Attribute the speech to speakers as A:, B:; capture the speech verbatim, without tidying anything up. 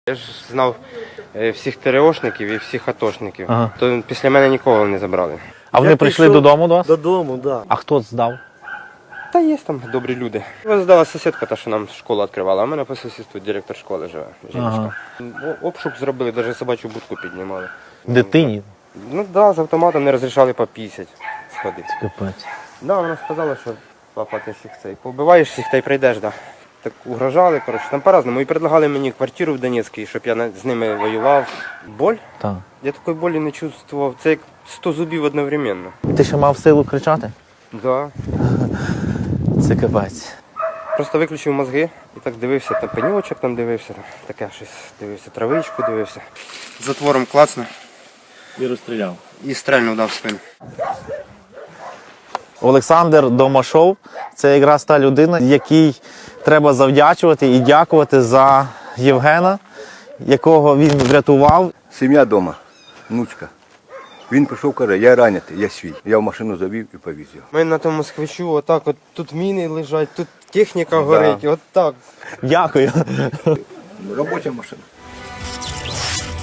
A: Я ж знав е, всіх ТРОшників і всіх атошників,
B: Ага.
A: то після мене нікого не забрали.
B: А вони
C: Я
B: прийшли
C: пішов
B: додому до вас?
C: Додому, так. Да.
B: А хто здав?
A: Та є там добрі люди. Ось здала сусідка, та, що нам школу відкривала, а в мене по сусідству директор школи живе, жіночка. О- Обшук зробили, навіть собачу будку піднімали.
B: Дитині?
A: Ну так, да, з автоматом не розрішали попісять сходити.
B: Капець.
A: Да, вона сказала, що папа, ти ж їх цей, побиваєш їх та й прийдеш, да. Так угрожали, коротше, там по-разному. І предлагали мені квартиру в Донецькій, щоб я на- з ними воював. Боль?
B: Так.
A: Я такої болі не чувствував. Це як сто зубів одновременно.
B: Ти ще мав силу кричати?
A: Да.
B: Це капець.
A: Просто виключив мозги і так дивився, там пеньочок там дивився, там таке щось дивився, травичку дивився. Затвором клацнув
C: І розстріляв.
A: і стрельнув дав в спину.
B: Олександр Домашов – це якраз та людина, якій треба завдячувати і дякувати за Євгена, якого він врятував.
D: Сім'я вдома, внучка. Він прийшов, каже, я ранятий, я свій. Я в машину завів і повіз його.
A: Ми на тому москвичу, отак, от тут міни лежать, тут техніка горить, от так.
B: Дякую.
D: Робоча машина.